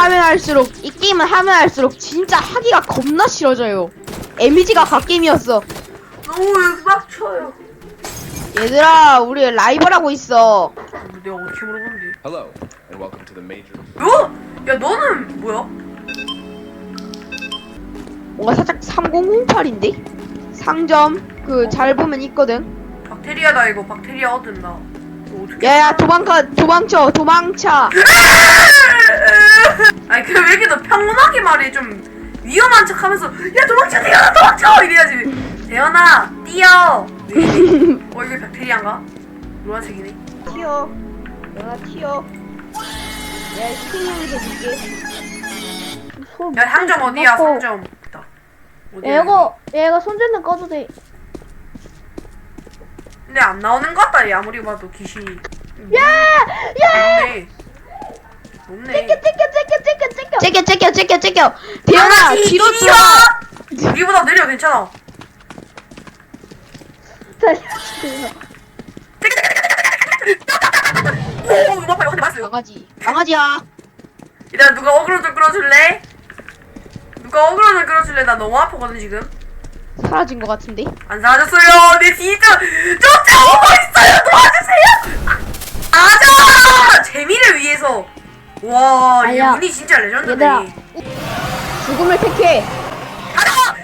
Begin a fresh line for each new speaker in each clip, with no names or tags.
하면 할수록 진짜 하기가 겁나 싫어져요. 에미지가 갓게임이었어.
너무 빡쳐요.
얘들아, 우리 라이벌 하고 있어.
내가 어떻게 물어본데?
Hello, and welcome to the major.
야 너는 뭐야?
뭔가 살짝 3008인데? 상점 잘 보면 있거든.
박테리아다 이거. 박테리아 얻은다. 이거 어떻게?
야야, 도망쳐.
아니 그 왜 이렇게 너 평온하게 말해? 좀 위험한 척하면서 야 도망쳐 대현아 도망쳐 이래야지. 대현아 뛰어. 왜 이래? 이게 박테리아인가? 노란색이네.
튀어. 내가 튀어. 내가 스팅형에서 줄게.
야 상점 어디야? 상점. 있다. 어디야?
얘가 손전등 꺼도 돼.
근데 안 나오는 것 같다. 얘 아무리 봐도 귀신이.
야!
높네.
째껴. 대현아, 뒤로
뛰어.
뛰어.
우리보다 느려. 괜찮아. 오 이거 봐봐. 이거 맞았어요.
강아지야.
일단 누가 어그로 좀 끌어줄래? 누가 어그로 좀 끌어줄래? 나 너무 아프거든 지금.
사라진 것 같은데?
안 사라졌어요. 내 진짜 쫓아오고 있어요. 도와주세요. 아자 재미를 위해서. 와, 이
아니야.
운이 진짜 레전드네.
얘들아.
죽음을 택해.
가자.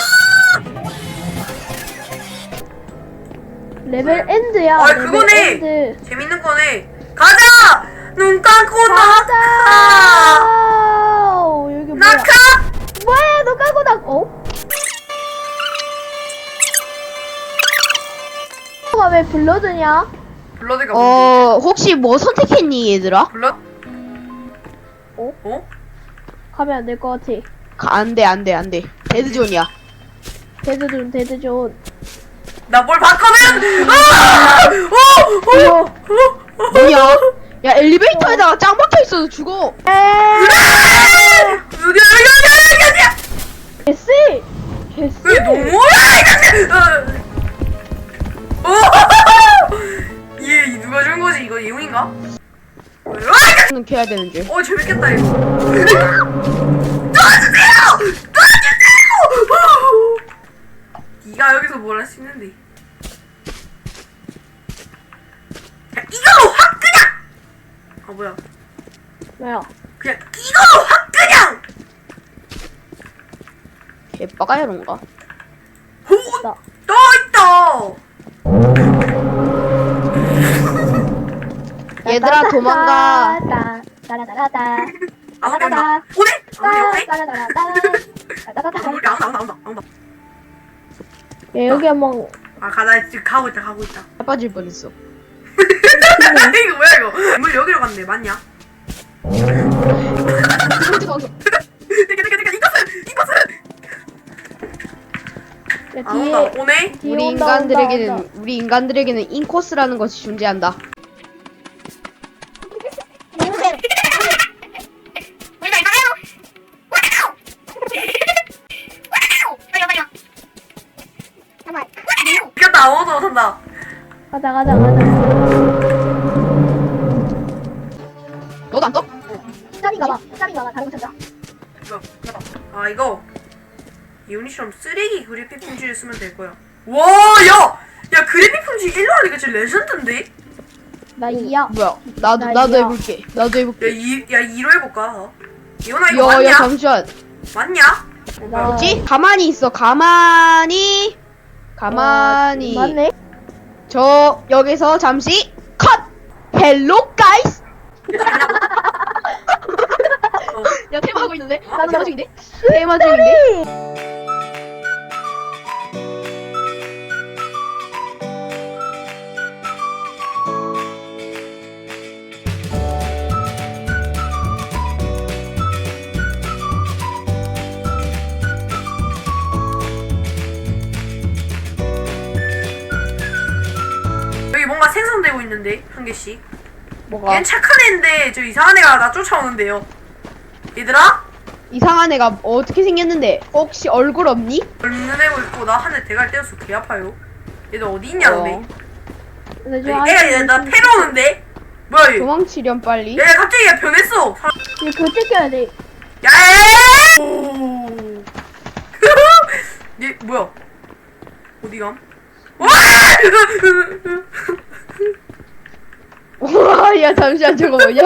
레벨 엔드야.
아,
레벨
그거네.
엔드.
재밌는 거네. 가자. 눈 감고
가자.
낙하.
여기 뭐야?
낙하.
뭐야? 너 까고 왜 블러드냐?
블러드가 뭔데?
혹시 뭐 선택했니, 얘들아?
블러?
어?
어?
가면 안 될 것 같아.
안 돼. 데드존이야.
데드존.
나 뭘 봤거든. 아!
뭐야? 야, 엘리베이터에다가 짱 박혀 있어도 죽어.
어디야?
개쎄!
왜 너무야 얘 누가 준 거지? 이거 예웅인가?
는 켜야 되는 줄.
재밌겠다 이거. 도와주세요! 네가 여기서 뭘 할 수 있는데? 야, 이걸로 확 그냥! 아 뭐야?
뭐야?
그냥 이걸로 확 그냥!
개빠가야론가?
오!
나.
또 있다!
얘들아, 도망가.
따라따라따.
아 근데 온다. 오네? 오네?
따라따라따.
나온다.
야, 여기 한번
아 가다 지금 가고 있다.
빠질 뻔했어.
이거 뭐야 이거? 물 여기로 갔네. 맞냐? 이것은
야,
안 온다.
뒤에
오네?
뒤에
우리
온다.
인간들에게는 인코스라는 것이 존재한다.
이겼다. 아무도 못한다.
가자.
너도 안 떠?
짜리 가봐. 다른 거 찾자.
이거 해봐. 아 이거 이온이처럼 쓰레기 그래픽 품질을 쓰면 될 거야. 와, 야 그래픽 품질 1로 하니까 진짜 레전드인데?
나 2야.
뭐야? 나도
난리야.
해볼게.
야 2로 해볼까? 이온아 이거
야,
맞냐?
잠시만.
맞냐?
나-
뭐지? 가만히 있어. 가만히.
맞네.
저 여기서 잠시 컷. 헬로 가이스. 야, 테마 하고 있는데?
나
테마 중인데? 테마 중인데?
여기 뭔가 생성되고 있는데 한 개씩.
뭐가?
얘는 착한 애인데 저 이상한 애가 나 쫓아오는데요. 얘들아?
이상한 애가 어떻게 생겼는데? 혹시 얼굴 없니?
얼른 애고 있고 나 한 대 대가리 때려서 개 아파요. 얘들 어디 있냐 너네?
근데 저
애가 나 패러 오는데? 뭐야 얘?
도망치렴 빨리.
야 갑자기 얘 변했어.
이거 그거 찍혀야 돼.
야야야야! 오. 얘 뭐야? 어디 감? 와!
와, 야 잠시만 저거 뭐냐?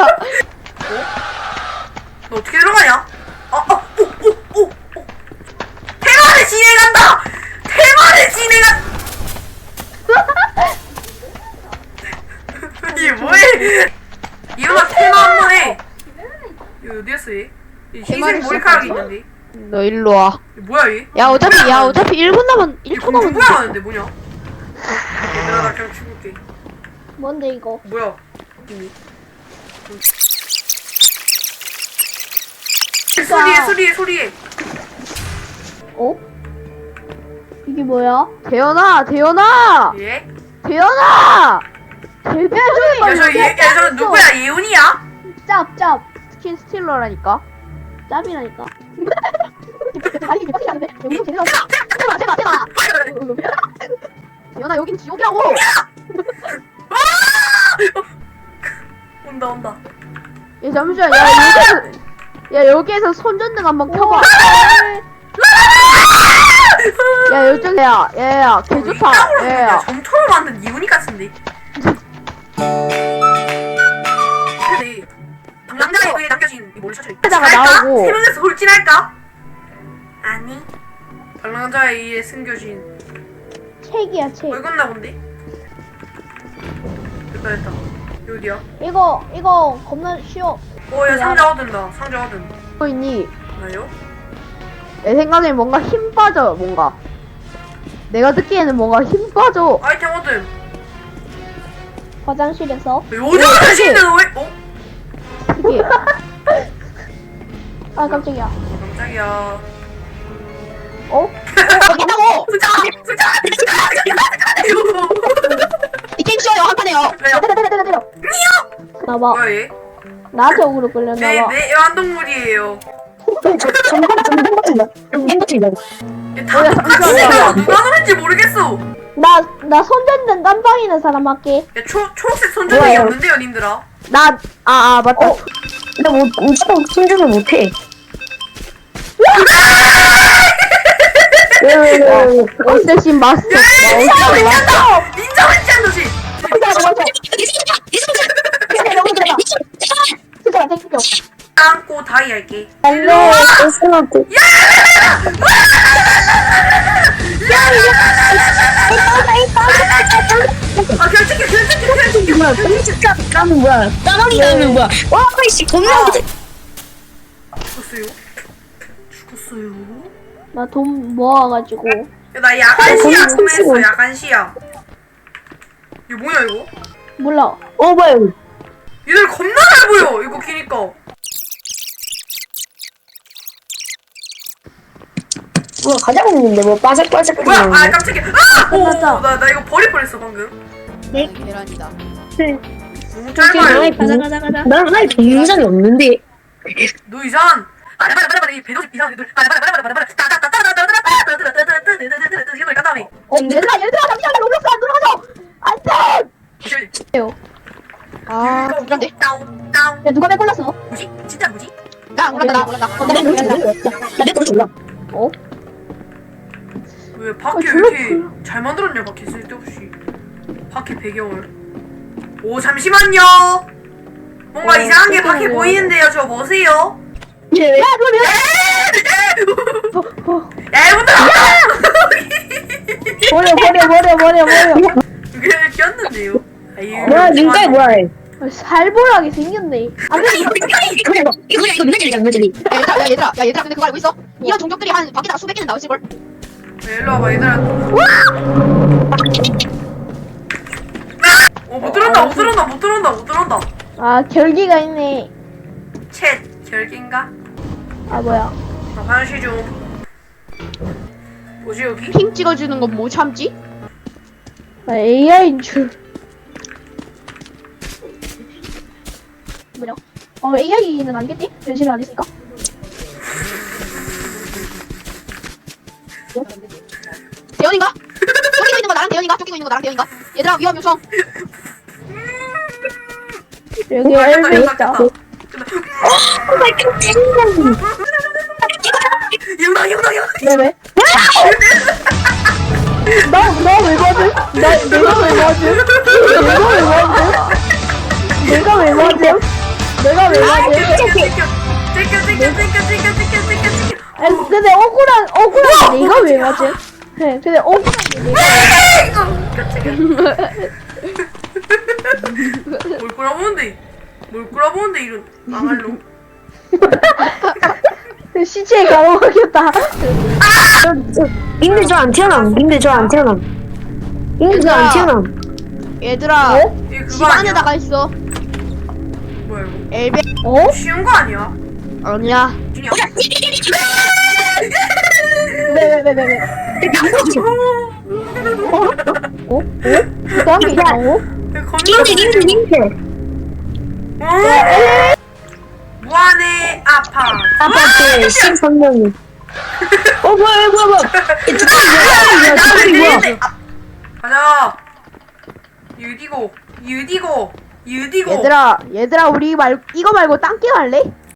너 어떻게 들어가냐? 오. 테마를 진행한다. 테마를 진행한. 이게 뭐해? 이거만 테마 한번 해. 이거 어디였어 얘? 이 흰색
테마를
머리카락이
시작하지?
있는데.
너 일로 와.
이거 뭐야 얘?
야 어차피 1분 남았
이
1초 남았는데.
공부야 하는데 뭐냐? 얘들아 나 그냥 죽을게.
뭔데 이거?
뭐야? 이미. 소리해.
어? 이게 뭐야?
대현아.
예?
대현아.
저 누구야? 예훈이야?
짭.
스킨 스틸러라니까.
짭이라니까. 아니 이게 빡치지 않은데? 여기 제대로 제가.
대현아 여긴 지옥이라고.
온다.
야 잠시만. 야 여기에서 손전등 한번 켜봐. 야 요즘 야 개 좋다. 야.
점토로 만든 이훈이 같은데. 근데 방랑자에 남겨진 이 모를 셔츠
하다가 나오고.
세 명에서 돌진할까? 아니. 방랑자에 의해 숨겨진.
책이야 책.
읽었나 본데? 됐다. 여기야.
이거 겁나 쉬워.
야 상자 얻은다.
뭐 있니?
나요?
내 생각엔 뭔가 힘 빠져 뭔가. 내가 듣기에는 뭔가 힘 빠져.
아이템 얻음.
화장실에서.
요즘 하시는 왜?
이게
아 깜짝이야.
깜짝이야.
어? 된다고. 이 게임 쉬워요 한 판에요.
때려. 나봐.
뭐야 얘?
나한테 억울로 끌렸나봐.
내 애완동물이에요.
뭐야,
얘다 똑같이
잠시만요.
생겨. 누가 노는지 모르겠어.
나 손전등 깜빵 있는 사람 할게.
야 초록색 손전등이
뭐예요?
없는데요 님들아.
맞다.
나 무조건 손주를 못해.
어쌔신 마스터.
닌자 위치한 도시. 안고 다이 할게.
안돼, 쓸쓸하고.
아 결정해.
뭐야, 까면 뭐야, 따라리 가면 뭐야. 와, 씨, 겁나 못해.
죽었어요.
나 돈 모아가지고.
야, 나 야간시야
거기
구매했어.
훔치고.
야간시야. 이거 뭐야 이거?
몰라.
뭐야, 이거.
얘들 겁나 잘 보여. 이거 키니까.
뭐 가자고 했는데 뭐 바삭바삭
뭐야? 아
거리는데.
깜짝이야. 나 이거 버릴 뻔했어 방금.
계란이다.
너무 짧아요.
가자. 나의 동영상이 없는데.
너 이상. 이 배도지 이상한데. 이걸 깐 다음에.
얘들아 잠시만 로블록스 안 돌아가죠. 안돼. 아 그런데.
다운.
야 누가 내 골랐어?
뭐지? 진짜 뭐지?
나 몰랐다.
나내 버릇 몰라.
어?
왜 바퀴 왜
졸라
이렇게 잘 만들었냐 바퀴 쓸데없이. 바퀴 배경을. 오 잠시만요. 뭔가 이상한 게 바퀴
세상에.
보이는데요. 저 뭐세요?
쟤
야 이분들
버려.
그냥 꼈는데요. 아유.
뭐야, 눈깔 뭐야.
살벌하게 생겼네.
이거 맨날
얘들아 근데 그거 알고 있어? 이런 종족들이 한 밖에다가 수백 개는 나왔을걸?
일로 와봐 얘들아. 못 들어온다.
아 결기가 있네.
챗 결계인가?
아 뭐야?
나 화장실 좀. 뭐지 여기?
핑 찍어주는 건 뭐 참지?
나 AI인 줄. 뭐냐? AI는 아니겠지? 변신을 안 했으니까.
대현인가? 쫓기고 있는 거 나랑 대현인가? 얘들아 위험 요청. 여기
아,
엘베
깼다,
있다.
깼다. 유나
네네. 나왜 맞음? 내가 왜 맞음? 내가 왜 맞음? 내가 왜 맞음? 근데 억울한 내가 왜 맞음? 네, 근데 억울한 내가
뭘 꼬라보는데 이런 망할로.
시체에 가로막혔다.
님들 저 안 태어남. 님들 저 안 태어남. 님들 저 안 태어남.
얘들아,
이게 그거
집
아니야?
안에다가 있어.
뭐야 이거?
엘베. 어?
쉬운 거 아니야?
아니야.
준이야.
네네네네. 어? 부담이 있다고?
님들.
무한의 아파.
아파트 13명이. 뭐야. 뭐야.
가자. 유디고.
얘들아, 우리 이거 말고 딴 게임 할래?